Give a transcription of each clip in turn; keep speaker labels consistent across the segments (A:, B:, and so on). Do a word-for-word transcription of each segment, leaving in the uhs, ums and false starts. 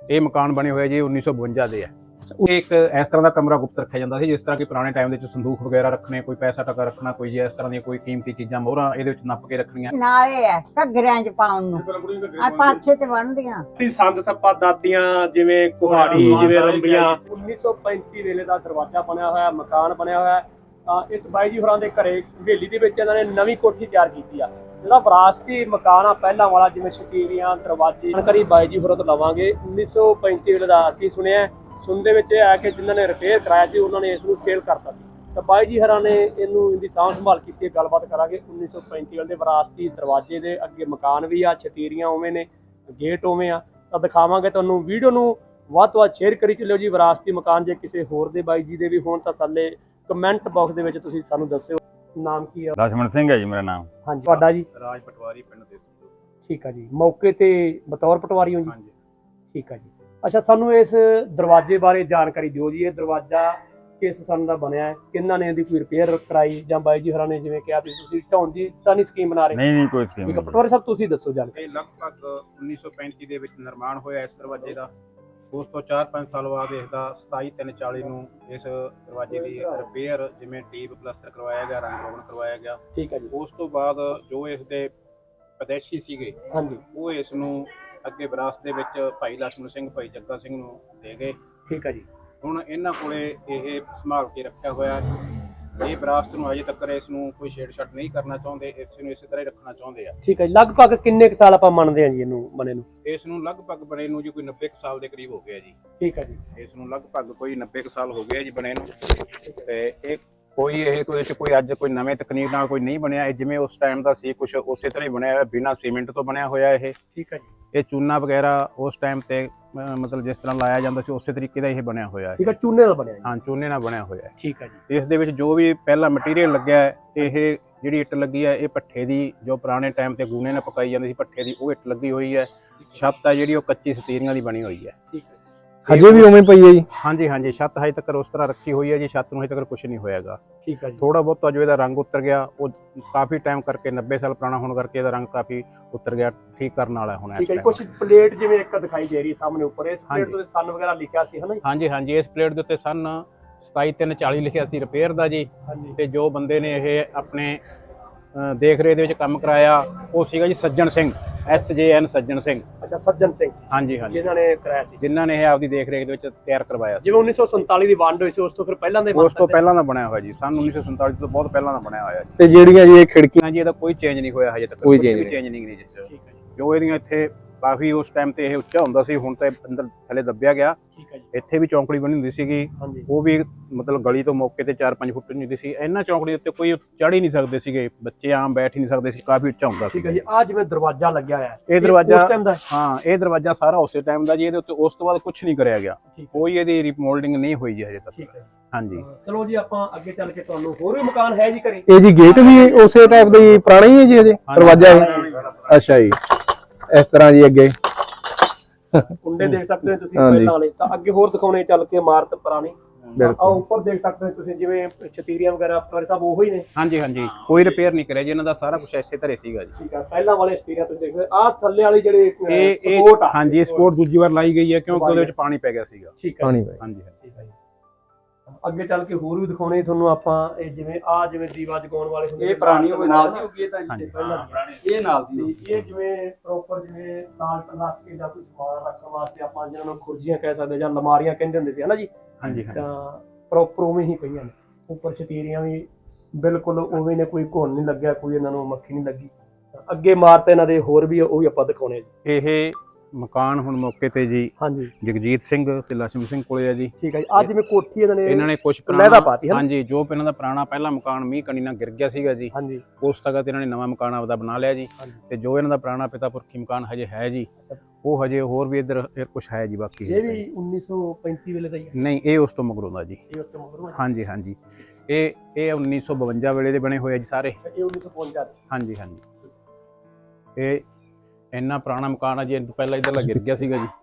A: ਇਹ ਮਕਾਨ ਬਣੇ ਹੋਏ ਜੀ ਉੱਨੀ ਸੌ ਬਵੰਜਾ ਦੇ ਆ। एक इस तरह का कमरा गुप्त रखा जाता है जिस तरह कि पुराने टाइम के संदूक वगैरह रखने, कोई पैसा टका रखना, कोई जी इस तरह दी कोई कीमती चीज़ां मोहरां इहदे विच नप के रखणियां
B: नाले है घग्गरियां च पाउण नूं आ पाछे ते बनदियां
C: ती संद सप्पा दादियां जिवें कुहाड़ी जिवें रंबियां उन्नीस सौ पैंती वेले दा दरवाजा बनया होया मकान बनया होया। ਤਾਂ ਇਸ ਬਾਈ ਜੀ ਹੋਰਾਂ ਦੇ ਘਰੇ ਹਵੇਲੀ ਦੇ ਵਿੱਚ ਇਹਨਾਂ ਨੇ ਨਵੀਂ ਕੋਠੀ ਤਿਆਰ ਕੀਤੀ ਆ ਜਿਹੜਾ ਵਿਰਾਸਤੀ ਮਕਾਨ ਆ ਪਹਿਲਾਂ ਵਾਲਾ ਜਿਵੇਂ ਸ਼ਤੀਰੀਆਂ ਦਰਵਾਜ਼ੇ ਜਾਣਕਾਰੀ ਬਾਈ ਜੀ ਹੋਰਾਂ ਤੋਂ ਲਵਾਂਗੇ। ਉੱਨੀ ਸੌ ਪੈਂਤੀ ਵੇਲੇ ਦਾ ਅਸੀਂ ਸੁਣਿਆ ਸੁਣਦੇ ਵਿੱਚ ਇਹ ਆ ਕਿ ਜਿਨ੍ਹਾਂ ਨੇ ਰਿਪੇਅਰ ਕਰਾਇਆ ਸੀ ਉਹਨਾਂ ਨੇ ਇਸ ਨੂੰ ਸੇਲ ਕਰਤਾ ਸੀ ਤਾਂ ਬਾਈ ਜੀ ਹੋਰਾਂ ਨੇ ਇਹਨੂੰ ਇਹਦੀ ਸਾਂਭ ਸੰਭਾਲ ਕੀਤੀ। ਗੱਲਬਾਤ ਕਰਾਂਗੇ। ਉੱਨੀ ਸੌ ਪੈਂਤੀ ਵੇਲੇ ਦੇ ਵਿਰਾਸਤੀ ਦਰਵਾਜ਼ੇ ਦੇ ਅੱਗੇ ਮਕਾਨ ਵੀ ਆ, ਸ਼ਤੀਰੀਆਂ ਉਵੇਂ ਨੇ, ਗੇਟ ਉਵੇਂ ਆ ਤਾਂ ਦਿਖਾਵਾਂਗੇ ਤੁਹਾਨੂੰ। ਵੀਡੀਓ ਨੂੰ ਵੱਧ ਤੋਂ ਵੱਧ ਸ਼ੇਅਰ ਕਰੀ ਚੱਲਿਓ ਜੀ। ਵਿਰਾਸਤੀ ਮਕਾਨ ਜੇ ਕਿਸੇ ਹੋਰ ਦੇ ਬਾਈ ਜੀ ਦੇ ਵੀ ਹੋਣ ਤਾਂ ਥੱਲੇ ਕਮੈਂਟ ਬਾਕਸ ਦੇ ਵਿੱਚ ਤੁਸੀਂ ਸਾਨੂੰ ਦੱਸਿਓ। ਨਾਮ ਕੀ ਆ?
D: ਲਛਮਣ ਸਿੰਘ ਹੈ ਜੀ ਮੇਰਾ ਨਾਮ।
C: ਹਾਂਜੀ ਤੁਹਾਡਾ ਜੀ?
A: ਰਾਜ ਪਟਵਾਰੀ ਪਿੰਡ ਦੇ।
C: ਠੀਕ ਆ ਜੀ। ਮੌਕੇ ਤੇ ਬਤੌਰ ਪਟਵਾਰੀ ਹੋ ਜੀ?
A: ਹਾਂਜੀ
C: ਠੀਕ ਆ ਜੀ। ਅੱਛਾ ਸਾਨੂੰ ਇਸ ਦਰਵਾਜ਼ੇ ਬਾਰੇ ਜਾਣਕਾਰੀ ਦਿਓ ਜੀ। ਇਹ ਦਰਵਾਜ਼ਾ ਕਿਸ ਸੰਨ ਦਾ ਬਣਿਆ ਹੈ, ਕਿੰਨਾਂ ਨੇ ਇਹਦੀ ਕੋਈ ਰਿਪੇਅਰ ਕਰਾਈ ਜਾਂ ਬਾਈ ਜੀ ਹੋਰਾਂ ਨੇ ਜਿਵੇਂ ਕਿਹਾ ਵੀ ਤੁਸੀਂ ਢਾਉਣ ਦੀ ਤਾਂ ਨਹੀਂ ਸਕੀਮ ਬਣਾ ਰਹੇ?
D: ਨਹੀਂ ਨਹੀਂ ਕੋਈ ਸਕੀਮ
C: ਠੀਕ ਆ
D: ਨਹੀਂ।
C: ਪਟਵਾਰੀ ਸਾਹਿਬ ਤੁਸੀਂ ਦੱਸੋ ਜਾਣਕਾਰੀ।
A: ਇਹ ਲਗਭਗ ਉੱਨੀ ਸੌ ਪੈਂਤੀ ਦੇ ਵਿੱਚ ਨਿਰਮਾਣ ਹੋਇਆ ਇਸ ਦਰਵਾਜ਼ੇ ਦਾ। ਉਸ ਤੋਂ ਚਾਰ ਪੰਜ ਸਾਲ ਬਾਅਦ ਇਸ ਦਾ ਸਤਾਈ ਤਿੰਨ ਚਾਲੀ ਨੂੰ ਇਸ ਦਰਵਾਜ਼ੇ ਦੀ ਰਿਪੇਅਰ ਜਿਵੇਂ ਟੀਪ ਪਲਸਤਰ ਕਰਵਾਇਆ ਗਿਆ, ਰੰਗ ਰੋਗਨ ਕਰਵਾਇਆ ਗਿਆ।
C: ਠੀਕ ਹੈ ਜੀ।
A: ਉਸ ਤੋਂ ਬਾਅਦ ਜੋ ਇਸ ਦੇ ਵਿਦੇਸ਼ੀ ਸੀਗੇ
C: ਹਾਂਜੀ
A: ਉਹ ਇਸ ਨੂੰ ਅੱਗੇ ਵਿਰਾਸਤ ਦੇ ਵਿੱਚ ਭਾਈ ਲਛਮਣ ਸਿੰਘ, ਭਾਈ ਜੱਗਾ ਸਿੰਘ ਨੂੰ ਦੇ ਗਏ।
C: ਠੀਕ ਹੈ ਜੀ।
A: ਹੁਣ ਇਹਨਾਂ ਕੋਲੇ ਇਹ ਸੰਭਾਲ ਕੇ ਰੱਖਿਆ ਹੋਇਆ। ਇਹ ਵਿਰਾਸਤ ਨੂੰ ਅਜੇ ਤੱਕ ਇਸ ਨੂੰ ਕੋਈ ਛੇੜਛਾੜ ਨਹੀਂ ਕਰਨਾ ਚਾਹੁੰਦੇ, ਇਸ ਨੂੰ ਇਸੇ ਤਰ੍ਹਾਂ ਹੀ ਰੱਖਣਾ ਚਾਹੁੰਦੇ ਆ।
C: ਠੀਕ ਹੈ ਜੀ। ਲਗਭਗ ਕਿੰਨੇ ਕੁ ਸਾਲ ਆਪਾਂ ਮੰਨਦੇ ਹਾਂ ਜੀ ਇਹਨੂੰ ਬਣੇ ਨੂੰ?
A: ਇਸ ਨੂੰ ਲਗਭਗ ਬਣੇ ਨੂੰ ਜੀ ਕੋਈ ਨੱਬੇ ਕੁ ਸਾਲ ਦੇ ਕਰੀਬ ਹੋ ਗਿਆ ਜੀ।
C: ਠੀਕ ਹੈ ਜੀ।
A: ਇਸ ਨੂੰ ਲਗਭਗ ਕੋਈ ਨੱਬੇ ਕੁ ਸਾਲ ਹੋ ਗਏ ਜੀ ਬਣੇ ਨੂੰ। ਤੇ ਇਹ ਕੋਈ ਇਹ ਕੋਈ ਕੋਈ ਅੱਜ ਕੋਈ ਨਵੇਂ ਤਕਨੀਕ ਨਾਲ ਕੋਈ ਨਹੀਂ ਬਣਿਆ। ਇਹ ਜਿਵੇਂ ਉਸ ਟਾਈਮ ਦਾ ਸੀ ਕੁਝ ਉਸੇ ਤਰ੍ਹਾਂ ਹੀ ਬਣਿਆ ਹੋਇਆ, ਬਿਨਾਂ ਸੀਮੈਂਟ ਤੋਂ ਬਣਿਆ ਹੋਇਆ ਇਹ।
C: ਠੀਕ ਹੈ ਜੀ।
A: ਇਹ ਚੂਨਾ ਵਗੈਰਾ ਉਸ ਟਾਈਮ ਤੇ ਮਤਲਬ ਜਿਸ ਤਰ੍ਹਾਂ ਲਾਇਆ ਜਾਂਦਾ ਸੀ ਉਸੇ ਤਰੀਕੇ ਦਾ ਇਹ ਬਣਿਆ ਹੋਇਆ ਹੈ।
C: ਠੀਕ ਹੈ। ਚੂਨੇ ਨਾਲ ਬਣਿਆ ਜੀ?
A: ਹਾਂ ਚੂਨੇ ਨਾਲ ਬਣਿਆ ਹੋਇਆ ਹੈ।
C: ਠੀਕ ਹੈ ਜੀ।
A: ਇਸ ਦੇ ਵਿੱਚ ਜੋ ਵੀ ਪਹਿਲਾ ਮਟੀਰੀਅਲ ਲੱਗਿਆ ਹੈ, ਇਹ ਜਿਹੜੀ ਇੱਟ ਲੱਗੀ ਹੈ ਇਹ ਭੱਠੇ ਦੀ, ਜੋ ਪੁਰਾਣੇ ਟਾਈਮ ਤੇ ਗੂਨੇ ਨਾਲ ਪਕਾਈ ਜਾਂਦੀ ਸੀ ਭੱਠੇ ਦੀ, ਉਹ ਇੱਟ ਲੱਗੀ ਹੋਈ ਹੈ। ਛੱਤ ਹੈ ਜਿਹੜੀ ਉਹ ਕੱਚੀ ਸਤੀਰੀਆਂ ਦੀ ਬਣੀ ਹੋਈ ਹੈ।
C: ਠੀਕ ਹੈ।
E: ਹਜੇ ਵੀ ਉਵੇਂ ਪਈ ਹੈ ਜੀ?
A: ਹਾਂਜੀ ਹਾਂਜੀ ਛੱਤ ਹਜੇ ਤੱਕ ਉਸ ਤਰ੍ਹਾਂ ਰੱਖੀ ਹੋਈ ਹੈ ਜੀ। ਛੱਤ ਨੂੰ ਹਜੇ ਤੱਕ ਕੁਝ ਨਹੀਂ ਹੋਇਆਗਾ।
C: ਠੀਕ ਹੈ ਜੀ।
A: ਥੋੜਾ ਬਹੁਤ ਜੋ ਇਹਦਾ ਰੰਗ ਉਤਰ ਗਿਆ, ਉਹ ਕਾਫੀ ਟਾਈਮ ਕਰਕੇ ਨੱਬੇ ਸਾਲ ਪੁਰਾਣਾ ਹੋਣ ਕਰਕੇ ਇਹਦਾ ਰੰਗ ਕਾਫੀ ਉਤਰ ਗਿਆ, ਠੀਕ ਕਰਨ ਵਾਲਾ ਹੁਣ।
C: ਠੀਕ ਹੈ। ਕੁਝ ਪਲੇਟ ਜਿਵੇਂ ਇੱਕ ਦਿਖਾਈ ਦੇ ਰਹੀ ਸਾਹਮਣੇ ਉੱਪਰ, ਇਸ ਪਲੇਟ ਤੇ ਸਨ ਵਗੈਰਾ ਲਿਖਿਆ ਸੀ ਹਨਾ?
A: ਹਾਂਜੀ ਹਾਂਜੀ ਇਸ ਪਲੇਟ ਦੇ ਉੱਤੇ ਸਨ ਸਤਾਈ ਤਿੰਨ ਚਾਲੀ ਲਿਖਿਆ ਸੀ ਰਿਪੇਅਰ ਦਾ ਜੀ।
C: ਹਾਂਜੀ।
A: ਤੇ ਜੋ ਬੰਦੇ ਨੇ ਇਹ ਆਪਣੇ ਦੇਖ ਰੇਖ ਦੇ ਵਿੱਚ ਕੰਮ ਕਰਾਇਆ ਉਹ ਸੀਗਾ ਜੀ ਸੱਜਣ ਸਿੰਘ, ਐਸ ਜੇ ਐਨ ਸੱਜਣ ਸਿੰਘ।
C: ਅੱਛਾ ਸੱਜਣ ਸਿੰਘ
A: ਹਾਂਜੀ ਹਾਂਜੀ
C: ਜਿਨ੍ਹਾਂ ਨੇ ਕਰਾਇਆ ਸੀ,
A: ਜਿਨ੍ਹਾਂ ਨੇ ਇਹ ਆਪਦੀ ਦੇਖ ਰੇਖ ਦੇ ਵਿੱਚ ਤਿਆਰ ਕਰਵਾਇਆ ਸੀ।
C: ਜਿਵੇਂ ਉੱਨੀ ਸੌ ਸੰਤਾਲੀ ਦੀ ਵੰਡ ਹੋਈ ਸੀ ਉਸ ਤੋਂ ਫਿਰ ਪਹਿਲਾਂ ਦੇ?
A: ਉਸ ਤੋਂ ਪਹਿਲਾਂ ਦਾ ਬਣਿਆ ਹੋਇਆ ਜੀ, ਸਨ ਉੱਨੀ ਸੌ ਸੰਤਾਲੀ ਤੋਂ ਬਹੁਤ ਪਹਿਲਾਂ ਦਾ ਬਣਿਆ ਹੋਇਆ ਜੀ।
E: ਤੇ ਜਿਹੜੀਆਂ ਜੀ ਇਹ ਖਿੜਕੀਆਂ
A: ਜੀ ਇਹਦਾ ਕੋਈ ਚੇਂਜ ਨਹੀਂ ਹੋਇਆ ਹਜੇ ਤੱਕ,
E: ਕੋਈ
A: ਕੁਝ
E: change
A: ਵੀ
E: ਨਹੀਂ।
A: ਚੇਂਜ ਨਹੀਂ ਜਿਸ
C: ਠੀਕ ਹੈ ਜੀ।
A: ਜੋ ਇਹਦੀਆਂ ਇੱਥੇ ਕਾਫੀ ਉਸ ਟਾਈਮ ਤੇ ਇਹ ਉੱਚਾ ਹੁੰਦਾ ਸੀ, ਹੁਣ ਤੇ ਅੰਦਰ ਥੱਲੇ ਦੱਬਿਆ ਗਿਆ।
C: ਠੀਕ ਹੈ ਜੀ।
A: ਇੱਥੇ ਵੀ ਚੌਂਕੜੀ ਬਣੀ ਹੁੰਦੀ ਸੀਗੀ,
C: ਹਾਂਜੀ।
A: ਉਹ ਵੀ ਮਤਲਬ ਗਲੀ ਤੋਂ ਮੌਕੇ ਤੇ ਚਾਰ ਪੰਜ ਫੁੱਟ ਹੁੰਦੀ ਸੀ। ਇਹਨਾਂ ਚੌਂਕੜੀ ਉੱਤੇ ਕੋਈ ਚੜ੍ਹ ਹੀ ਨਹੀਂ ਸਕਦੇ ਸੀਗੇ, ਬੱਚੇ ਆਮ ਬੈਠ ਹੀ ਨਹੀਂ ਸਕਦੇ ਸੀ, ਕਾਫੀ ਉੱਚਾ ਹੁੰਦਾ ਸੀ।
C: ਠੀਕ ਹੈ ਜੀ। ਆ ਜਿਵੇਂ ਦਰਵਾਜ਼ਾ ਲੱਗਿਆ ਹੋਇਆ ਹੈ,
A: ਇਹ ਦਰਵਾਜ਼ਾ
C: ਉਸ ਟਾਈਮ ਦਾ?
A: ਹਾਂ ਇਹ ਦਰਵਾਜ਼ਾ ਸਾਰਾ ਉਸੇ ਟਾਈਮ ਦਾ ਜੀ। ਇਹਦੇ ਉੱਤੇ ਉਸ ਤੋਂ ਬਾਅਦ ਕੁਝ ਨਹੀਂ ਕਰਿਆ ਗਿਆ, ਕੋਈ ਇਹਦੀ ਰੀਮੋਲਡਿੰਗ ਨਹੀਂ ਹੋਈ ਜੀ ਹਜੇ ਤੱਕ।
C: ਠੀਕ ਹੈ।
A: ਹਾਂਜੀ
C: ਚਲੋ ਜੀ ਆਪਾਂ ਅੱਗੇ ਚੱਲ ਕੇ ਤੁਹਾਨੂੰ ਹੋਰ ਵੀ ਮਕਾਨ ਹੈ ਜੀ ਘਰੇ?
E: ਇਹ ਜੀ ਗੇਟ ਵੀ ਉਸੇ ਟਾਈਪ ਦਾ ਹੀ ਪੁਰਾਣਾ ਹੀ ਹੈ ਜੀ? ਅਜੇ ਦਰਵਾਜ਼ਾ ਇਹ? ਅੱਛਾ ਜੀ। ਇਸ ਤਰ੍ਹਾਂ ਜੀ ਅੱਗੇ
C: ਕੁੰਡੇ ਦੇਖ ਸਕਦੇ ਹੋ ਤੁਸੀਂ ਪਹਿਲਾਂ ਵਾਲੇ। ਤਾਂ ਅੱਗੇ ਹੋਰ ਦਿਖਾਉਣੇ ਚੱਲ ਕੇ ਇਮਾਰਤ ਪੁਰਾਣੀ। ਆ ਉੱਪਰ ਦੇਖ ਸਕਦੇ ਹੋ ਤੁਸੀਂ ਜਿਵੇਂ ਛਤੀਰੀਆਂ ਵਗੈਰਾ ਪਟਵਾਰੀ ਸਾਹਿਬ ਉਹੀ ਨੇ?
A: ਹਾਂਜੀ ਹਾਂਜੀ ਕੋਈ ਰਿਪੇਅਰ ਨਹੀਂ ਕਰਿਆ ਜੀ, ਇਹਨਾਂ ਦਾ ਸਾਰਾ ਕੁਝ ਐਸੇ ਧਰੇ ਸੀਗਾ ਜੀ।
C: ਠੀਕ ਆ। ਪਹਿਲਾਂ ਵਾਲੇ ਛਤੀਰੀਆਂ ਤੁਸੀਂ ਦੇਖਦੇ ਆ ਥੱਲੇ ਵਾਲੀ ਜਿਹੜੇ
A: ਇਹ
C: ਸਪੋਰਟ ਆ।
A: ਹਾਂਜੀ ਸਪੋਰਟ ਦੂਜੀ ਵਾਰ ਲਾਈ ਗਈ ਹੈ ਕਿਉਂਕਿ ਉਹਦੇ ਵਿੱਚ ਪਾਣੀ ਪੈ ਗਿਆ ਸੀਗਾ।
C: ਠੀਕ ਹੈ।
E: ਪਾਣੀ ਪੈ
A: ਹਾਂਜੀ
C: ਠੀਕ ਹੈ ਜੀ। ਅੱਗੇ ਚੱਲ ਕੇ ਹੋਰ ਵੀ ਦਿਖਾਉਣੇ ਤੁਹਾਨੂੰ ਆਪਾਂ। ਇਹ ਜਿਵੇਂ ਆ ਜਿਵੇਂ ਦੀਵਾ ਜਗਾਉਣ ਵਾਲੇ ਹੁੰਦੇ,
F: ਇਹ ਪੁਰਾਣੀ ਹੋਵੇ ਨਾਲ ਦੀ ਹੋਗੀ, ਇਹ ਤਾਂ
A: ਹਾਂਜੀ।
F: ਇਹ ਨਾਲ ਦੀ
C: ਇਹ ਜਿਵੇਂ ਪ੍ਰੋਪਰ ਜਿਵੇਂ ਤਾਲ ਰੱਖ ਕੇ ਜਾਂ ਕੋਈ ਸਮਾਨ ਰੱਖਣ ਵਾਸਤੇ ਆਪਾਂ ਜਿਹਨਾਂ ਨੂੰ ਖੁਰਜੀਆਂ ਕਹਿ ਸਕਦੇ ਜਾਂ ਅਲਮਾਰੀਆਂ ਕਹਿੰਦੇ ਹੁੰਦੇ ਸੀ ਹਨਾ ਜੀ।
A: ਹਾਂਜੀ
C: ਤਾਂ ਪ੍ਰੋਪਰ ਉਵੇਂ ਹੀ ਪਈਆਂ ਨੇ। ਉੱਪਰ ਛਤੀਰੀਆਂ ਵੀ ਬਿਲਕੁਲ ਉਵੇਂ ਨੇ, ਕੋਈ ਘੁਣ ਨਹੀਂ ਲੱਗਿਆ, ਕੋਈ ਇਹਨਾਂ ਨੂੰ ਮੱਖੀ ਨਹੀਂ ਲੱਗੀ। ਅੱਗੇ ਇਮਾਰਤ ਇਹਨਾਂ ਦੇ ਹੋਰ ਵੀ ਉਹ ਵੀ ਆਪਾਂ ਦਿਖਾਉਣੇ ਜੀ।
A: ਇਹ ਮਕਾਨ ਹੁਣ ਮੌਕੇ ਤੇ ਜੀ
C: ਹਾਂਜੀ
A: ਜਗਜੀਤ ਸਿੰਘ ਤੇ ਲਛਮਣ ਸਿੰਘ ਕੋਲੇ ਆ ਜੀ।
C: ਠੀਕ ਹੈ ਜੀ। ਅੱਜ ਜਿਵੇਂ ਕੋਠੀ ਇਹਨਾਂ ਨੇ
A: ਇਹਨਾਂ ਨੇ ਕੁਝ
C: ਲਹਿਦਾ ਪਾਤੀ ਹੈ।
A: ਹਾਂਜੀ ਜੋ ਇਹਨਾਂ ਦਾ ਪੁਰਾਣਾ ਪਹਿਲਾ ਮਕਾਨ ਮੀਂਹ ਕਣੀ ਨਾਲ ਗਿਰ ਗਿਆ ਸੀਗਾ ਜੀ,
C: ਹਾਂਜੀ
A: ਉਸ ਤੱਕ ਇਹਨਾਂ ਨੇ ਨਵਾਂ ਮਕਾਨ ਆਪਦਾ ਬਣਾ ਲਿਆ ਜੀ। ਤੇ ਜੋ ਇਹਨਾਂ ਦਾ ਪੁਰਾਣਾ ਪਿਤਾ ਪੁਰਖੀ ਮਕਾਨ ਹਜੇ ਹੈ ਜੀ, ਉਹ ਹਜੇ ਹੋਰ ਵੀ ਇੱਧਰ ਕੁਝ ਹੈ ਜੀ। ਬਾਕੀ
C: ਇਹ ਵੀ ਉੱਨੀ ਸੌ ਪੈਂਤੀ ਵੇਲੇ ਦਾ ਹੀ ਹੈ?
A: ਨਹੀਂ ਇਹ ਉਸ ਤੋਂ ਮਗਰੋਂ ਦਾ ਜੀ।
C: ਇਹ ਉਸ ਤੋਂ ਮਗਰੋਂ?
A: ਹਾਂਜੀ ਹਾਂਜੀ ਇਹ ਇਹ ਉੱਨੀ ਸੌ ਬਵੰਜਾ ਵੇਲੇ ਦੇ ਬਣੇ ਹੋਏ ਆ ਜੀ ਸਾਰੇ।
C: ਇਹ ਉੱਨੀ ਸੌ ਪਚਵੰਜਾ ਦੇ?
A: ਹਾਂਜੀ ਹਾਂਜੀ ਇਹ ਇੰਨਾ ਪੁਰਾਣਾ ਮਕਾਨ ਆ ਜੀ, ਪਹਿਲਾਂ ਇੱਧਰਲਾ ਗਿਰ ਗਿਆ ਸੀਗਾ ਜੀ।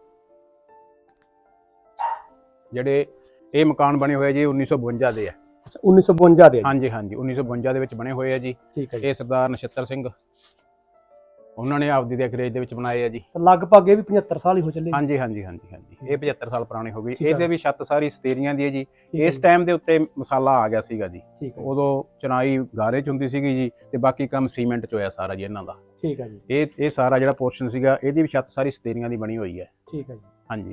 A: ਜਿਹੜੇ ਇਹ ਮਕਾਨ ਬਣੇ ਹੋਏ ਜੀ ਉੱਨੀ ਸੌ ਬਵੰਜਾ ਦੇ ਆ।
C: ਉੱਨੀ ਸੌ ਬਵੰਜਾ ਦੇ?
A: ਹਾਂਜੀ ਹਾਂਜੀ ਉੱਨੀ ਸੌ ਬਵੰਜਾ ਦੇ ਵਿੱਚ ਬਣੇ ਹੋਏ ਆ ਜੀ।
C: ਠੀਕ ਹੈ।
A: ਇਹ ਸਰਦਾਰ ਨਛੱਤਰ ਸਿੰਘ ਉਹਨਾਂ ਨੇ ਆਪਦੀ ਦੇਖਰੇਖ ਦੇ ਵਿੱਚ ਬਣਾਏ ਆ ਜੀ।
C: ਤਾਂ ਲਗਭਗ ਇਹ ਵੀ ਪਝੱਤਰ ਸਾਲ ਹੀ ਹੋ ਚੱਲੇ।
A: ਹਾਂਜੀ ਹਾਂਜੀ ਹਾਂਜੀ ਹਾਂਜੀ ਇਹ ਪਝੱਤਰ ਸਾਲ ਪੁਰਾਣੀ ਹੋ ਗਈ।
C: ਠੀਕ ਆ।
A: ਇਹਦੇ ਵੀ ਛੱਤ ਸਾਰੀ ਸਤੇਰੀਆਂ ਦੀ ਹੈ ਜੀ।
C: ਠੀਕ ਹੈ
A: ਇਸ ਟਾਈਮ ਦੇ ਉੱਤੇ ਮਸਾਲਾ ਆ ਗਿਆ ਸੀਗਾ ਜੀ।
C: ਠੀਕ ਹੈ
A: ਉਦੋਂ ਚਨਾਈ ਗਾਰੇ ਚ ਹੁੰਦੀ ਸੀਗੀ ਜੀ ਤੇ ਬਾਕੀ ਕੰਮ ਸੀਮੈਂਟ ਚ ਹੋਇਆ ਸਾਰਾ ਜੀ ਇਹਨਾਂ ਦਾ।
C: ਠੀਕ ਹੈ ਜੀ
A: ਇਹ ਇਹ ਸਾਰਾ ਜਿਹੜਾ ਪੋਰਸ਼ਨ ਸੀਗਾ ਇਹਦੀ ਵੀ ਛੱਤ ਸਾਰੀ ਸਤੇਰੀਆਂ ਦੀ ਬਣੀ ਹੋਈ ਹੈ।
C: ਠੀਕ ਹੈ ਜੀ।
A: ਹਾਂਜੀ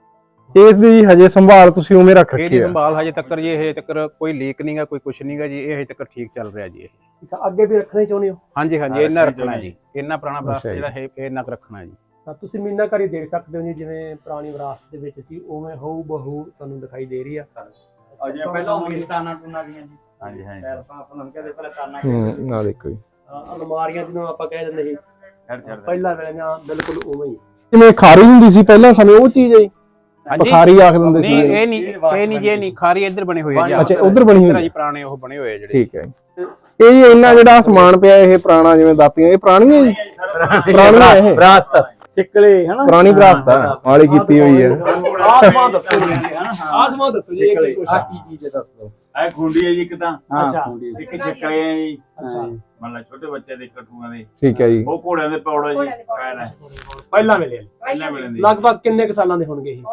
E: ਇਸ ਦੀ ਹਜੇ ਸੰਭਾਲ ਤੁਸੀਂ ਉਵੇਂ ਰੱਖ
A: ਇਹਦੀ
E: ਰੱਖੀ ਹੈ?
A: ਸੰਭਾਲ ਹਜੇ ਤੱਕ ਜੀ ਹਜੇ ਤੱਕ ਕੋਈ ਲੀਕ ਨਹੀਂਗਾ, ਕੋਈ ਕੁਛ ਨਹੀਂਗਾ ਜੀ। ਇਹ ਹਜੇ ਤੱਕ ਠੀਕ ਚੱਲ ਰਿਹਾ ਜੀ ਇਹ।
C: ਠੀਕ ਆ, ਅੱਗੇ ਵੀ ਰੱਖਣਾ ਹੀ ਚਾਹੁੰਦੇ ਹੋ?
A: ਹਾਂਜੀ ਹਾਂਜੀ
F: ਹਾਂ,
A: ਇਹਨਾਂ
F: ਰੱਖਣਾ
A: ਰੱਖਣਾ ਜੀ। ਇਹਨਾਂ ਪੁਰਾਣਾ ਵਿਰਾਸਤ
E: ਅੱਛਾ ਜੀ।
A: ਜਿਹੜਾ ਹੈ ਇਹ ਇਹਨਾਂ ਕੁ ਰੱਖਣਾ ਜੀ।
C: ਤਾਂ ਤੁਸੀਂ ਮੀਨਾਕਾਰੀ ਦੇਖ ਸਕਦੇ ਹੋ ਜੀ, ਜਿਵੇਂ ਪੁਰਾਣੀ ਵਿਰਾਸਤ ਦੇ ਵਿੱਚ ਸੀ ਉਵੇਂ ਹਊ ਬਹੂ ਤੁਹਾਨੂੰ ਦਿਖਾਈ ਦੇ ਰਹੀ ਆ।
F: ਅਜੇ ਪਹਿਲਾਂ ਹੁੰਦੀ ਤਾਨਾ ਟੂਨਾ ਦੀਆਂ ਜੀ। ਹਾਂਜੀ ਹਾਂਜੀ ਆਪਾਂ ਨੂੰ ਕਹਿੰਦੇ ਪਹਿਲਾਂ ਤਾਨਾ
E: ਹੂੰ ਆ ਦੇਖੋ ਜੀ,
C: ਅਹ ਅਲਮਾਰੀਆਂ ਜਿਹਨੂੰ ਆਪਾਂ ਕਹਿ ਦਿੰਦੇ ਸੀ ਪਹਿਲਾਂ ਵੇਲੇ ਬਿਲਕੁਲ ਉਵੇਂ ਹੀ।
E: ਜਿਵੇਂ ਖਾਰੀ ਹੁੰਦੀ ਸੀ ਪਹਿਲਾਂ ਸਮੇਂ, ਉਹ ਚੀਜ਼ ਹੈ ਜੀ?
A: ਹਾਂਜੀ
E: ਖਾਰੀ ਆਖ ਦਿੰਦੇ ਸੀ।
A: ਨਹੀਂ ਇਹ ਨਹੀਂ ਇਹ ਨਹੀਂ ਜੇ ਨਹੀਂ ਖਾਰੀ ਇੱਧਰ ਬਣੀ ਹੋਈ ਹੈ ਜੀ।
E: ਅੱਛਾ ਉਧਰ ਬਣੀ
A: ਇੱਧਰ
E: ਹੋਈ
A: ਜੀ
E: ਹੈ।
A: ਪੁਰਾਣੇ ਉਹ ਬਣੇ ਹੋਏ ਆ ਜਿਹੜੇ।
E: ਠੀਕ ਹੈ ਜੀ। ਇਹ ਜੀ ਇੰਨਾ ਜਿਹੜਾ ਸਮਾਨ ਪਿਆ ਇਹ ਪੁਰਾਣਾ, ਜਿਵੇਂ ਦਾਤੀਆਂ, ਇਹ ਪੁਰਾਣੀਆਂ ਜੀ? ਪੁਰਾਣੀਆਂ ਇਹ
F: ਵਿਰਾਸਤ ਸਿੱਕਲੇ ਹਨਾ,
E: ਪੁਰਾਣੀ ਵਿਰਾਸਤ ਆ ਵਾਲੀ ਕੀਤੀ ਹੋਈ ਹੈ।
C: ਆਸਮਾਨ ਦੱਸੋ ਜੀ, ਆਸਮਾਨ ਦੱਸੋ ਜੀ, ਇਹ ਕੀ ਕੁਛ
F: ਆ
C: ਆ?
F: ਕੀ ਚੀਜ਼ ਹੈ ਦੱਸ ਦਿਓ। ਇਹ ਖੁੰਡੀ ਹੈ ਜੀ ਇੱਕ ਤਾਂ,
C: ਅੱਛਾ
F: ਇੱਕ ਛਿੱਕਲੇ ਹੈ ਜੀ।
C: ਅੱਛਾ
F: ਮੰਨ ਲਾ ਛੋਟੇ ਬੱਚੇ ਦੇ ਕਟੂਆਂ ਦੇ,
E: ਠੀਕ ਹੈ ਜੀ।
F: ਉਹ ਘੋੜਿਆਂ ਦੇ ਪੌੜਾ ਜੀ ਪੈਰ ਹੈ
C: ਪਹਿਲਾਂ ਵੇਲੇ
F: ਪਹਿਲਾਂ ਮਿਲਣ ਦੀ।
C: ਲਗਭਗ ਕਿੰਨੇ ਕੁ ਸਾਲਾਂ ਦੇ ਹੋਣਗੇ ਇਹ?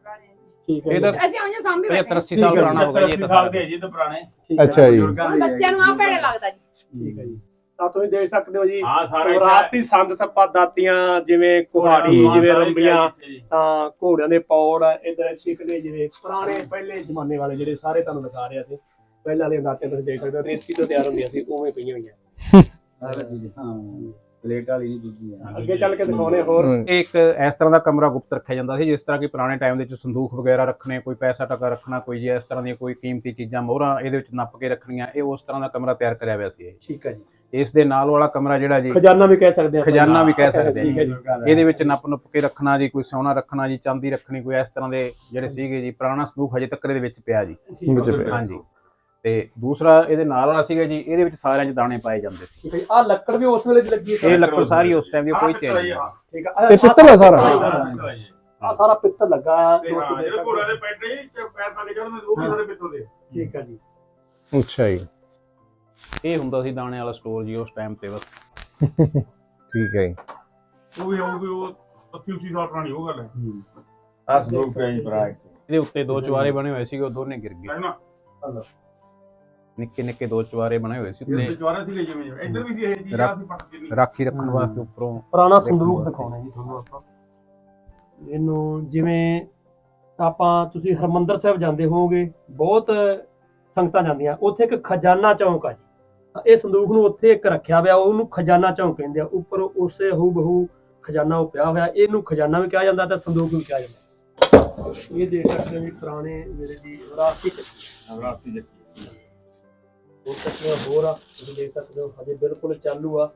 C: ਠੀਕ ਹੈ
A: ਇਹ
C: ਜੀ।
A: ਤਾਂ
D: ਅਸੀਂ ਉਹਨੇ ਸਾਂਭੀ
A: ਪਝੱਤਰ ਅੱਸੀ ਸਾਲ ਪੁਰਾਣਾ ਹੋ ਗਿਆ ਜੀ ਇਹ ਤਾਂ
F: ਸਾਲ
A: ਸਾਰਾ।
F: ਦੇ ਜੀ ਤਾਂ ਪੁਰਾਣੇ
E: ਅੱਛਾ ਜੀ।
F: ਬਜ਼ੁਰਗਾਂ ਦੇ
D: ਬੱਚਿਆਂ ਨੂੰ ਆ ਭੈੜੇ ਲੱਗਦਾ ਜੀ।
C: ਠੀਕ ਹੈ ਜੀ। ਤਾਂ ਤੁਸੀਂ ਦੇਖ ਸਕਦੇ ਹੋ ਜੀ,
F: ਹਾਂ ਸਾਰੇ
C: ਵਿਰਾਸਤੀ ਸੰਦ ਸੱਪਾ ਦਾਤੀਆਂ, ਜਿਵੇਂ ਕੁਹਾੜੀ, ਜਿਵੇਂ ਰੰਬੀਆਂ, ਤਾਂ ਘੋੜਿਆਂ ਦੇ ਪੌੜ, ਇਧਰ ਛਿਕਲੇ, ਜਿਵੇਂ ਪੁਰਾਣੇ ਪਹਿਲੇ ਜ਼ਮਾਨੇ ਵਾਲੇ ਜਿਹੜੇ ਸਾਰੇ ਤੁਹਾਨੂੰ ਦਿਖਾ ਰਿਹਾ ਸੀ। ਪਹਿਲਾਂ ਵਾਲੀਆਂ ਦਾਤੀਆਂ ਤੁਸੀਂ ਦੇਖ ਸਕਦੇ ਹੋ ਰੇਤੀ ਤੋਂ ਤਿਆਰ ਹੁੰਦੀਆਂ ਸੀ, ਉਵੇਂ ਪਈਆਂ ਹੋਈਆਂ।
F: ਹਾਂ ਪਲੇਟ ਵਾਲੀ ਨਹੀਂ ਦੂਜੀ ਹੈ।
C: ਅੱਗੇ ਚੱਲ ਕੇ ਦਿਖਾਉਣੇ ਹੋਰ।
A: ਇਹ ਇੱਕ ਇਸ ਤਰ੍ਹਾਂ ਦਾ ਕਮਰਾ ਗੁਪਤ ਰੱਖਿਆ ਜਾਂਦਾ ਸੀ, ਜਿਸ ਤਰ੍ਹਾਂ ਕਿ ਪੁਰਾਣੇ ਟਾਈਮ ਦੇ ਵਿੱਚ ਸੰਦੂਖ ਵਗੈਰਾ ਰੱਖਣੇ, ਕੋਈ ਪੈਸਾ ਟਕਾ ਰੱਖਣਾ, ਕੋਈ ਜੀ ਇਸ ਤਰ੍ਹਾਂ ਦੀਆਂ ਕੋਈ ਕੀਮਤੀ ਚੀਜ਼ਾਂ ਮੋਹਰਾਂ ਇਹਦੇ ਵਿੱਚ ਨੱਪ ਕੇ ਰੱਖਣੀਆਂ। ਇਹ ਉਸ ਤਰ੍ਹਾਂ ਦਾ ਕਮਰਾ ਤਿਆਰ ਕਰਿਆ ਹੋਇਆ ਸੀ ਇਹ।
C: ਠੀਕ ਹੈ ਜੀ।
A: ਇਸ ਦੇ ਨਾਲ ਵਾਲਾ ਕਮਰਾ ਜਿਹੜਾ ਜੀ
C: ਖਜ਼ਾਨਾ ਵੀ ਕਹਿ ਸਕਦੇ ਆ,
A: ਖਜ਼ਾਨਾ ਵੀ ਕਹਿ ਸਕਦੇ
C: ਠੀਕ ਹੈ
A: ਜੀ।
C: ਜੀ।
A: ਇਹਦੇ ਵਿੱਚ ਨੱਪ ਨੁੱਪ ਕੇ ਰੱਖਣਾ ਜੀ, ਕੋਈ ਸੋਨਾ ਰੱਖਣਾ ਜੀ, ਚਾਂਦੀ ਰੱਖਣੀ, ਕੋਈ ਇਸ ਤਰ੍ਹਾਂ ਦੇ ਜਿਹੜੇ ਸੀਗੇ ਜੀ। ਪੁਰਾਣਾ ਸੰਦੂਖ ਹਜੇ ਤੱਕ ਇਹਦੇ ਵਿੱਚ ਪਿਆ ਜੀ।
E: ਵਿੱਚ ਪਿਆ।
A: ਹਾਂਜੀ ਤੇ ਦੂਸਰਾ ਇਹਦੇ ਨਾਲ ਵਾਲਾ ਸੀਗਾ ਜੀ, ਇਹਦੇ ਵਿੱਚ ਸਾਰਿਆਂ 'ਚ ਦਾਣੇ ਪਾਏ ਜਾਂਦੇ ਸੀ।
C: ਠੀਕ ਹੈ ਜੀ। ਆਹ ਲੱਕੜ ਵੀ ਉਸ ਵੇਲੇ ਦੀ ਲੱਗੀ ਹੈ?
A: ਇਹ ਲੱਕੜ ਸਾਰੀ ਉਸ ਟਾਈਮ ਦੀ ਕੋਈ ਚੇਂਜ ਨਹੀਂ।
C: ਠੀਕ ਹੈ।
E: ਇਹ ਪਿੱਤਲ ਹੈ ਸਾਰਾ?
C: ਆ ਸਾਰਾ ਪਿੱਤਲ ਲੱਗਾ ਹੈ।
G: ਜਿਹੜੇ ਘੋੜਿਆਂ ਦੇ ਪੈਰ ਨਹੀਂ ਪੈਰ ਪਾ ਕੇ ਚੜ੍ਹਦੇ ਉਹ ਵੀ ਸਾਡੇ ਪਿੱਤਲ ਦੇ।
C: ਠੀਕ ਹੈ ਜੀ।
E: ਅੱਛਾ ਜੀ।
A: ਇਹ ਹੁੰਦਾ ਸੀ ਦਾਣੇ ਵਾਲਾ ਸਟੋਰ ਜੀ ਉਸ ਟਾਈਮ ਤੇ ਬਸ।
E: ਠੀਕ ਹੈ ਜੀ।
G: ਉਹ ਵੀ ਹੋਊਗੀ ਉਹ ਅੱਸੀ ਉਸੀ ਸਾਲ ਪੁਰਾਣੀ ਉਹ ਗੱਲ ਹੈ
F: ਆਹ ਸੰਦੂਕ ਹੈ ਜੀ ਭਰਾ।
A: ਇਹਦੇ ਉੱਤੇ ਦੋ ਚੁਬਾਰੇ ਬਣੇ ਹੋਏ ਸੀਗੇ, ਉਹ ਦੋਨੇ ਗਿਰ ਗਏ।
G: ਹੈ ਨਾ।
A: ਨਿੱਕੇ ਨਿੱਕੇ ਦੋ ਚੁਬਾਰੇ ਬਣੇ ਹੋਏ ਸੀ
G: ਇਹ
A: ਉੱਤੇ
G: ਜਵਾਰਾ ਸੀ ਜਿਵੇਂ ਜਿਵੇਂ ਇੱਧਰ ਵੀ ਸੀ ਇਹ ਚੀਜ਼ ਆ ਸੀ ਪੱਟ ਕੇ ਨਹੀਂ।
A: ਰਾਖੀ ਰੱਖਣ ਵਾਸਤੇ ਉੱਪਰੋਂ।
C: ਪੁਰਾਣਾ ਸੰਦੂਕ ਦਿਖਾਉਣਾ ਜੀ ਤੁਹਾਨੂੰ ਆਪਾਂ। ਇਹਨੂੰ ਜਿਵੇਂ ਆਪਾਂ ਤੁਸੀਂ ਹਰਮੰਦਰ ਸਾਹਿਬ ਜਾਂਦੇ ਹੋਵੋਗੇ, ਬਹੁਤ ਸੰਗਤਾਂ ਜਾਂਦੀਆਂ, ਉੱਥੇ ਇੱਕ ਖਜ਼ਾਨਾ ਚੌਂਕ ਆ ਜੀ। ਤਾਂ ਇਹ ਸੰਦੂਕ ਨੂੰ ਉੱਥੇ ਇੱਕ ਰੱਖਿਆ ਹੋਇਆ, ਉਹਨੂੰ ਖਜ਼ਾਨਾ ਚੌਂਕ ਕਹਿੰਦੇ ਆ। ਉੱਪਰ ਉਸੇ ਹੂ ਬਹੂ ਖਜ਼ਾਨਾ ਉਹ ਪਿਆ ਹੋਇਆ, ਇਹਨੂੰ ਖਜ਼ਾਨਾ ਵੀ ਕਿਹਾ ਜਾਂਦਾ ਤੇ ਸੰਦੂਕ ਵੀ ਕਿਹਾ ਜਾਂਦਾ। ਇਹ ਦੇਖ ਸਕਦੇ ਹੋ ਵੀ ਪੁਰਾਣੇ ਵੇਲੇ ਦੀ ਵਿਰਾਸਤੀ
F: ਵਿਰਾਸਤੀ ਜੱਟੀ
C: ਹੋਰ ਚੱਕੀਆਂ ਹੋਰ ਆ, ਤੁਸੀਂ ਦੇਖ ਸਕਦੇ ਹੋ ਹਜੇ ਬਿਲਕੁਲ ਚਾਲੂ ਆ।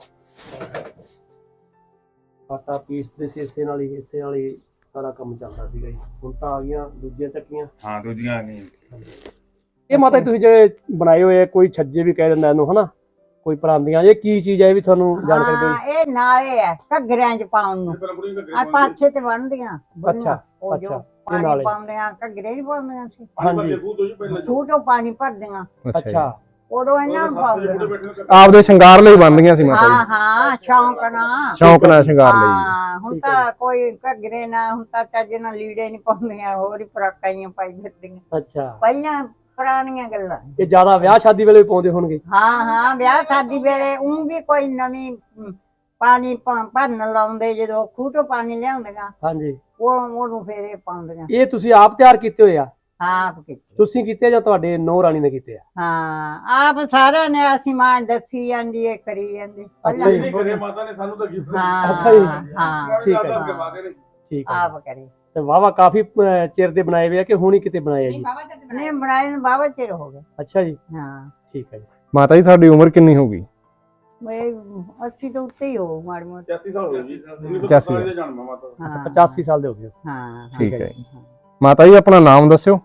C: ਆਟਾ ਪੀਸਦੇ ਸੀ ਇਸੇ ਨਾਲ ਹੀ, ਇਸੇ ਨਾਲ ਹੀ ਸਾਰਾ ਕੰਮ ਚੱਲਦਾ ਸੀਗਾ ਜੀ। ਹੁਣ ਤਾਂ ਆ ਗਈਆਂ ਦੂਜੀਆਂ ਚੱਕੀਆਂ।
F: ਹਾਂ ਦੂਜੀਆਂ ਨਹੀਂ।
C: ਇਹ ਮਾਤਾ ਜੀ ਤੁਸੀਂ ਜਿਹੜੇ ਬਣਾਏ ਹੋਏ ਆ, ਕੋਈ ਛੱਜੇ ਵੀ ਕਹਿ ਦਿੰਦਾ ਇਹਨੂੰ ਹਨਾ, ਕੋਈ ਪਰਾਂਦੀਆਂ, ਇਹ ਕੀ ਚੀਜ਼ ਹੈ? ਇਹ ਵੀ ਤੁਹਾਨੂੰ ਜਾਣਕਾਰੀ ਦਿਓ।
B: ਹਾਂ ਇਹ ਨਾਲੇ ਆ ਘੱਗਰਿਆਂ ਚ ਪਾਉਣ ਨੂੰ।
G: ਪਹਿਲਾਂ ਬੁੜੀਆਂ ਘੱਗਰੇ
B: ਆ ਪਾਛੇ ਤੇ ਬਣਦੀਆਂ ਬੁੜੀਆਂ।
C: ਅੱਛਾ,
B: ਉਹ ਜੋ
C: ਅੱਛਾ, ਇਹ
B: ਪਾਣੀ
C: ਨਾਲੇ।
B: ਪਾਉਂਦੇ ਆ ਘੱਗਰੇ ਹੀ ਪਾਉਂਦੀਆਂ ਸੀ।
G: ਪਾਣੀ
C: ਹਾਂਜੀ।
G: ਭਰਦੇ ਖੂਹ ਤੋਂ ਜੀ ਪਹਿਲਾਂ ਜੋ।
B: ਖੂਹ ਤੋਂ ਪਾਣੀ ਭਰਦੀਆਂ,
C: ਅੱਛਾ
B: ਉਦੋਂ ਇਹਨਾਂ ਨੂੰ ਪਾਉਂਦੀਆਂ।
E: ਆਪਦੇ ਸ਼ਿੰਗਾਰ ਲਈ ਬਣਦੀਆਂ ਸੀ ਮਾਤਾ
B: ਹਾਂ
E: ਜੀ?
B: ਹਾਂ ਸ਼ੌਂਕ ਨਾਲ।
E: ਸ਼ੌਂਕ ਨਾਲ ਸ਼ਿੰਗਾਰ ਲਈ।
B: ਹਾਂ ਹੁਣ ਤਾਂ ਕੋਈ ਘੱਗਰੇ ਨਾ, ਹੁਣ ਤਾਂ ਚੱਜ ਨਾਲ ਲੀੜੇ ਨਹੀਂ ਪਾਉਂਦੀਆਂ, ਹੋਰ ਹੀ ਫਰਾਕਾਂ ਹੀ ਪਾਈ ਫਿਰਦੀਆਂ।
C: ਅੱਛਾ।
B: ਪਹਿਲਾਂ ਪੁਰਾਣੀਆਂ ਗੱਲਾਂ।
C: ਇਹ ਜ਼ਿਆਦਾ ਵਿਆਹ ਸ਼ਾਦੀ ਵੇਲੇ ਵੀ ਪਾਉਂਦੇ ਹੋਣਗੇ?
B: ਹਾਂ ਹਾਂ ਵਿਆਹ ਸ਼ਾਦੀ ਵੇਲੇ ਉਹ ਵੀ ਕੋਈ ਨਵੀਂ ਅਮ, ਪਾਣੀ ਭ- ਭਰਨ ਲਾਉਂਦੇ, ਜਦੋਂ ਖੂਹ ਤੋਂ ਪਾਣੀ ਲਿਆਉਂਦੀਆਂ
C: ਹਾਂਜੀ।
B: ਉਹ ਉਹਨੂੰ ਫੇਰ ਇਹ ਪਾਉਂਦੀਆਂ।
C: ਇਹ ਤੁਸੀਂ ਆਪ ਤਿਆਰ ਕੀਤੇ ਹੋਏ ਆ?
B: ਹਾਂ ਆਪ ਕੀਤੇ।
C: ਤੁਸੀਂ ਕੀਤੇ ਜਾਂ ਤੁਹਾਡੇ ਨੌ ਰਾਣੀ ਨੇ ਕੀਤੇ ਆ?
B: ਹਾਂ ਆਪ ਸਾਰਿਆਂ ਨੇ, ਅਸੀਂ ਮਾਂ ਦੱਸੀ ਜਾਂਦੀ ਹੈ, ਕਰੀ ਜਾਂਦੀ
C: ਅੱਛਾ ਜੀ।
G: ਨਹੀਂ ਕਰੇ ਮਾਤਾ ਨੇ ਸਾਨੂੰ ਤਾਂ ਗਿਫਟ
B: ਹਾਂ
C: ਅੱਛਾ ਜੀ।
B: ਹਾਂ
C: ਠੀਕ ਹੈ।
G: ਦੱਸ ਕੇ ਬਾਦੇ ਨੇ।
C: ਠੀਕ ਹੈ।
B: ਆਪ ਕਰੀ।
C: ਤੇ ਵਾਵਾ ਕਾਫੀ ਅਹ, ਚਿਰ ਦੇ ਬਣਾਏ ਹੋਏ ਆ ਕਿ ਹੁਣ ਹੀ ਕਿਤੇ ਬਣਾਏ ਆ ਜੀ?
B: ਨਹੀਂ ਬਣਾਏ ਨੂੰ ਬਾਬਾ ਚਿਰ ਹੋ ਗਿਆ।
C: ਅੱਛਾ ਜੀ।
B: ਹਾਂ
C: ਠੀਕ ਹੈ ਜੀ।
E: ਮਾਤਾ ਜੀ ਤੁਹਾਡੀ ਉਮਰ ਕਿੰਨੀ ਹੋ ਗਈ?
B: ਮੈਂ ਅੱਸੀ ਤੋਂ ਉੱਤੇ ਹੀ ਹੋ ਮਾੜੀ ਮੋਟੀ।
G: ਪਚਾਸੀ ਸਾਲ ਹੋ ਗਏ ਜੀ ਉੱਨੀ ਸੌ
E: ਪਚਾਸੀ
G: ਸਤਾਲੀ ਦੇ ਜਨਮ ਆ ਮਾਤਾ ਦਾ।
B: ਹਾਂ
C: ਪਚਾਸੀ ਸਾਲ ਦੇ ਹੋ ਗਏ।
B: ਹਾਂ
E: ਠੀਕ ਹੈ ਜੀ। ਮਾਤਾ ਜੀ ਆਪਣਾ ਨਾਮ ਦੱਸਿਓ।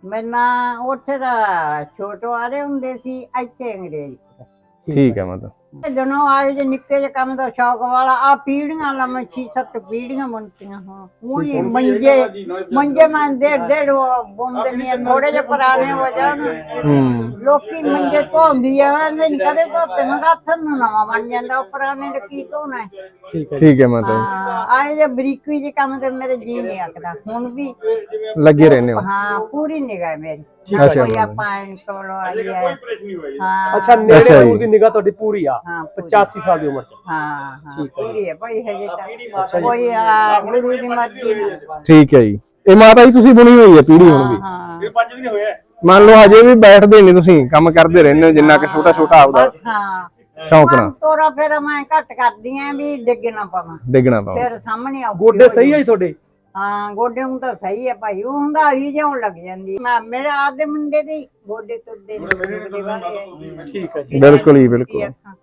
B: ਮੈਨਾਂ ਉੱਥੇ ਦਾ ਛੋਟੋ ਆ ਰਹੇ ਹੁੰਦੇ ਸੀ, ਇੱਥੇ ਅੰਗਰੇਜ਼।
E: ਠੀਕ ਹੈ ਮਾਤਾ।
B: ਜਦੋਂ ਆਏ ਜੇ ਨਿੱਕੇ ਜਿਹੇ ਕੰਮ ਦਾ ਸ਼ੌਕ ਵਾਲਾ ਆ ਪੀੜੀਆਂ ਲਾ ਮੈਂ ਛੇ ਸੱਤ ਪੀੜੀਆਂ ਬਣਤੀਆਂ ਹਾਂ ਉਹੀ ਮੰਜੇ ਮੰਜੇ ਮੈਂ ਡੇਢ ਡੇਢ ਬੁੰਦੇ ਨਹੀਂ ਥੋੜੇ ਜਿਹੇ ਪੁਰਾਣੇ ਹੋ ਜਾਣ
E: ਹੂੰ
B: ਲੋਕੀ ਮੰਜੇ ਧੋਂਦੀ ਆ ਕਹਿੰਦੇ ਨੀ ਕਦੇ ਧੋਤੇ ਮੈਂ ਕਿਹਾ ਹੱਥ ਨੂੰ ਨਵਾਂ ਬਣ ਜਾਂਦਾ ਉਹ ਪੁਰਾਣੇ ਦਾ ਕੀ ਧੋਣਾ ਹੈ।
C: ਠੀਕ ਹੈ
E: ਠੀਕ ਹੈ ਮਾਤਾ
B: ਹਾਂ ਆਏ ਜੇ ਬਰੀਕੀ ਜਿਹੇ ਕੰਮ ਤੇ ਮੇਰੇ ਜੀ ਨਹੀਂ ਆਖਦਾ ਹੁਣ ਵੀ
E: ਜੀ ਲੱਗੇ ਰਹਿੰਦੇ ਹੋ
B: ਹਾਂ ਪੂਰੀ ਨਿਗਾਹ ਮੇਰੀ
E: ਅੱਛਾ
B: ਕੋਈ ਆਪਾਂ ਐਨ ਕੋਲੋਂ ਆਈ ਹੈ ਹਾਂ
C: ਅੱਛਾ ਨੇੜੇ
E: ਅੱਛਾ ਜੀ।
C: ਉਹਦੀ ਨਿਗਾਹ ਤੁਹਾਡੀ ਪੂਰੀ ਆ
B: ਹਾਂ ਪੂਰੀ।
C: ਪਚਾਸੀ ਸਾਲ ਦੀ ਉਮਰ ਚ
B: ਹਾਂ ਹਾਂ ਪੂਰੀ ਹੈ ਭਾਈ ਹਜੇ
C: ਅੱਛਾ
B: ਤੱਕ
C: ਜੀ।
B: ਕੋਈ ਆ, ਗੁਰੂ ਦੀ ਮਰਜ਼ੀ ਨਾਲ
E: ਠੀਕ ਹੈ ਜੀ। ਇਹ ਮਾਤਾ ਜੀ ਤੁਸੀਂ ਬੁਣੀ ਹੋਈ ਹੈ ਪੀੜੀ ਹੁਣ ਵੀ
B: ਹਾਂ
G: ਇਹ ਪੰਜ ਦਿਨ ਹੋਇਆ
E: ਮੰਨ ਲਓ ਹਜੇ ਵੀ ਬੈਠਦੇ ਨਹੀਂ ਤੁਸੀਂ ਕੰਮ ਕਰਦੇ ਰਹਿੰਦੇ ਹੋ ਜਿੰਨਾ ਕਿ ਛੋਟਾ ਛੋਟਾ ਆਪਦਾ
B: ਬਸ ਹਾਂ
E: ਸ਼ੌਂਕ ਨਾਲ
B: ਤੋਰਾ ਫੇਰ ਮੈਂ ਘੱਟ ਕਰਦੀ ਆਂ ਵੀ ਡਿੱਗ ਨਾ ਪਵਾਂ
E: ਡਿੱਗਣਾ ਪਾਓ
B: ਫਿਰ ਸਾਹਮਣੇ ਆਉ
C: ਗੋਡੇ ਸਹੀ ਆ ਜੀ ਤੁਹਾਡੇ
B: ਹਾਂ ਗੋਡੇ ਨੂੰ ਤਾਂ ਸਹੀ ਹੈ ਭਾਈ ਉਹ ਹੁੰਦਾ ਹਰੀ ਜਿਉਣ ਲੱਗ ਜਾਂਦੀ ਮੈਂ ਮੇਰੇ ਆਪਦੇ ਮੁੰਡੇ ਦੇ ਹੀ ਗੋਡੇ ਤੁਰਦੇ ਨੇ
C: ਠੀਕ ਹੈ ਜੀ
E: ਬਿਲਕੁਲ ਹੀ ਬਿਲਕੁਲ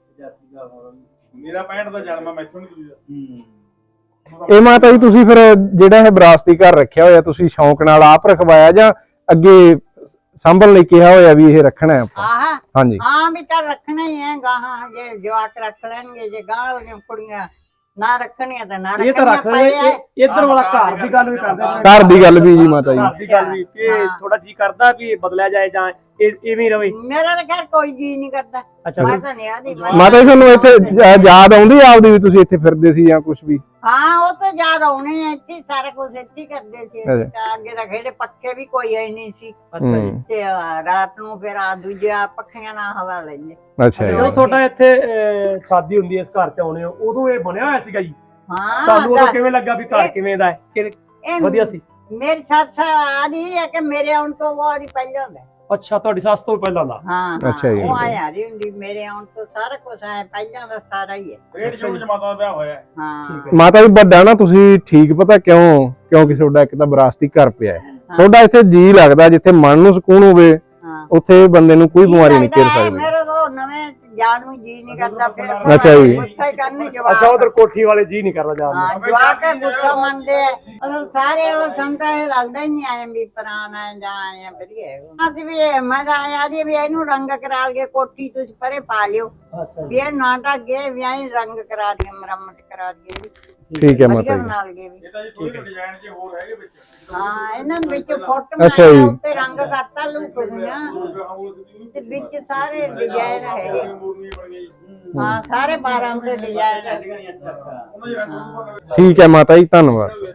G: ਮੇਰਾ ਪੈਂਹਠ ਦਾ ਜਨਮ ਆ ਮੈਥੋਂ ਨਹੀਂ ਤੁਸੀਂ
E: ਇਹ ਮਾਤਾ ਜੀ ਤੁਸੀਂ ਫਿਰ ਜਿਹੜਾ ਇਹ ਵਿਰਾਸਤੀ ਘਰ ਰੱਖਿਆ ਹੋਇਆ ਤੁਸੀਂ ਸ਼ੌਂਕ ਨਾਲ ਆਪ ਰਖਵਾਇਆ ਜਾਂ ਅੱਗੇ ਸੰਭਲ ਲਈ ਕਿਹਾ ਹੋਇਆ ਵੀ ਇਹ ਰੱਖਣਾ ਹੈ ਆਪਾਂ
B: ਆਹ
E: ਹਾਂਜੀ
B: ਹਾਂ ਵੀ ਤਾਂ ਰੱਖਣਾ ਹੀ ਹੈ ਗਾਹਾਂ ਜੇ ਜਵਾਕ ਰੱਖ ਲੈਣਗੇ ਜੇ ਗਾਹਾਂ ਵਾਲੀਆਂ ਕੁੜੀਆਂ ਨਾ ਰੱਖਣੀਆਂ ਤਾਂ ਨਾ
C: ਇਹ ਤਾਂ ਰੱਖ
B: ਰੱਖਣੀਆਂ
C: ਲੈ ਇੱਧਰ ਵਾਲਾ ਘਰ ਦੀ ਗੱਲ ਵੀ ਕਰਦੇ ਨੇ
E: ਘਰ ਦੀ ਗੱਲ ਵੀ ਜੀ ਮਾਤਾ ਜੀ
C: ਘਰ ਦੀ ਗੱਲ ਵੀ ਕਿ
B: ਹਾਂ।
C: ਥੋੜਾ ਜੀ ਕਰਦਾ ਵੀ ਇਹ ਬਦਲਿਆ ਜਾਏ ਜਾਂ ਇਹ ਇਵੇਂ ਹੀ ਰਵੇ
B: ਮੇਰਾ ਤਾਂ ਖੈਰ ਕੋਈ ਜੀ ਨਹੀਂ ਕਰਦਾ
C: ਅੱਛਾ
B: ਮੈਂ ਤਾਂ ਨਹੀਂ ਆਦੀ
E: ਮਾਤਾ ਜੀ ਤੁਹਾਨੂੰ ਇੱਥੇ ਜ- ਯਾਦ ਆਉਂਦੀ ਆ ਆਪਦੀ ਵੀ ਤੁਸੀਂ ਇੱਥੇ ਫਿਰਦੇ ਸੀ ਜਾਂ ਕੁਝ ਵੀ
B: ਹਾਂ ਉਹ ਤਾਂ ਯਾਦ ਆਉਣੇ ਆ ਇੱਥੇ ਹੀ ਸਾਰਾ ਕੁਝ ਇੱਥੇ ਹੀ ਕਰਦੇ ਸੀ ਅਸੀਂ
E: ਅੱਛਾ।
B: ਤਾਂ ਅੱਗੇ ਤਾਂ ਖੇੜੇ ਪੱਕੇ ਵੀ ਕੋਈ ਆਈ ਨਹੀਂ ਸੀ
C: ਅੱਛਾ ਜੀ
E: ਹੂੰ
B: ਤੇ ਆ, ਰਾਤ ਨੂੰ ਫਿਰ ਆ ਦੂਜਾ ਪੱਖੀਆਂ ਨਾਲ ਹਵਾ ਲੈਂਦੇ
E: ਅੱਛਾ ਜੀ
C: ਜਦੋਂ ਤੁਹਾਡਾ ਇੱਥੇ ਅਹ, ਸ਼ਾਦੀ ਹੁੰਦੀ ਹੈ ਇਸ ਘਰ ਚ ਆਉਣੇ ਹੋ ਉਦੋਂ ਇਹ ਬਣਿਆ ਹੋਇਆ ਸੀਗਾ ਜੀ
B: ਹਾਂ
C: ਤੁਹਾਨੂੰ ਉਦੋਂ
B: ਤਾਂ-
C: ਕਿਵੇਂ ਲੱਗਾ ਵੀ ਘਰ ਕਿਵੇਂ ਦਾ ਹੈ ਕਿ
B: ਇਹ
C: ਵਧੀਆ ਸੀ
B: ਮੇਰੀ ਸੱਸ ਆ ਰਹੀ ਹੈ ਕਿ ਮੇਰੇ ਆਉਣ ਤੋਂ ਬਾਅਦ ਹੀ ਪਹਿਲਾਂ ਹੁੰਦਾ
C: ਅੱਛਾ ਤੁਹਾਡੀ ਸੱਸ ਤੋਂ ਪਹਿਲਾਂ ਦਾ
B: ਹਾਂ ਹਾਂ,
E: ਅੱਛਾ ਜੀ।
B: ਉਹ ਆਇਆ ਰਹੀ ਹੁੰਦੀ ਮੇਰੇ ਆਉਣ ਤੋਂ ਸਾਰਾ ਕੁਝ ਆਇਆ ਪਹਿਲਾਂ ਦਾ ਸਾਰਾ ਹੀ ਹੈ
G: ਰੇਡ ਸ਼ੋਅ ਜਮਾਤਾਂ ਦਾ ਵਿਆਹ ਹੋਇਆ
B: ਹਾਂ
C: ਠੀਕ ਹੈ।
E: ਮਾਤਾ ਜੀ ਵੱਡਾ ਨਾ ਤੁਸੀਂ ਠੀਕ ਪਤਾ ਕਿਉਂ ਕਿਉਂਕਿ ਤੁਹਾਡਾ ਇੱਕ ਤਾਂ ਵਿਰਾਸਤੀ ਘਰ ਪਿਆ ਹੈ ਤੁਹਾਡਾ ਇੱਥੇ ਜੀ ਲੱਗਦਾ ਜਿੱਥੇ ਮਨ ਨੂੰ ਸਕੂਨ ਹੋਵੇ
B: ਹਾਂ
E: ਉੱਥੇ ਬੰਦੇ ਨੂੰ ਕੋਈ ਬਿਮਾਰੀ ਨਹੀਂ ਘੇਰ
B: ਲੱਗਦਾ ਹੈ,
E: ਸਕਦੀ
B: ਮੇਰੇ ਤੋਂ ਨਵੇਂ ਜਾਣ ਨੂੰ ਜੀ ਨਹੀਂ ਕਰਦਾ ਫਿਰ
E: ਅੱਛਾ ਜੀ।
B: ਗੁੱਸਾ ਹੀ ਕਰਨੇ ਜਵਾਕ
C: ਅੱਛਾ ਉਧਰ ਕੋਠੀ ਵਾਲੇ ਜੀ ਨਹੀਂ ਕਰਦਾ ਜਾਣ ਨੂੰ
B: ਹਾਂ ਜਵਾਕ ਹੈ, ਗੁੱਸਾ ਮੰਨਦੇ ਆ ਅਸਲ ਸਾਰੇ ਉਹ ਸੰਤਾ ਇਹ ਲੱਗਦਾ ਹੀ ਨਹੀਂ ਆਏ ਵੀ ਪੁਰਾਣਾ ਹੈ ਜਾਂ ਆਏ ਆ ਵਧੀਆ ਅਸੀਂ ਵੀ ਇਹ- ਮੈਂ ਤਾਂ ਆਇਆ ਦੀ ਵੀ ਇਹਨੂੰ ਰੰਗ ਕਰਾ ਕੇ ਕੋਠੀ ਤੁਸੀਂ ਪਰੇ ਪਾ ਲਿਓ
C: ਅੱਛਾ
B: ਵੀ ਇਹ ਨਾ ਢੱਗੇ ਵੀ ਐਂ ਰੰਗ ਕਰਾ ਦਈਏ ਮੁਰੰਮਤ ਕਰਾ ਦਈਏ
E: ਠੀਕ ਹੈ
B: ਵਧੀਆ
E: ਮਾਤਾ ਜੀ
B: ਬਣਾ ਲਈਏ ਵੀ
G: ਇਹ ਤਾਂ ਜੀ ਥੋੜੀ ਡਿਜ਼ਾਈਨ ਜੇ ਹੋਰ ਹੈਗੇ ਵਿੱਚ
B: ਹਾਂ ਇਹਨਾਂ ਦੇ ਵਿੱਚ ਫੁੱਟ
E: ਅੱਛਾ ਜੀ।
B: ਬਣਾਇਆ ਉੱਤੇ ਰੰਗ ਕਰਤਾ ਲੁਕਦੀਆਂ ਤੇ ਵਿੱਚ ਸਾਰੇ ਡਿਜ਼ਾਈਨ ਹੈਗੇ
G: ਮੂਰਨੀਆਂ ਬਣੀਆਂ ਜੀ
B: ਹਾਂ ਸਾਰੇ ਬਾਰਾਂ ਦੇ ਡਿਜ਼ਾਈਨ
G: ਉਹਨਾਂ ਦੇ ਰੰਗ ਰੂਪ
E: ਠੀਕ ਹੈ ਮਾਤਾ ਜੀ ਧੰਨਵਾਦ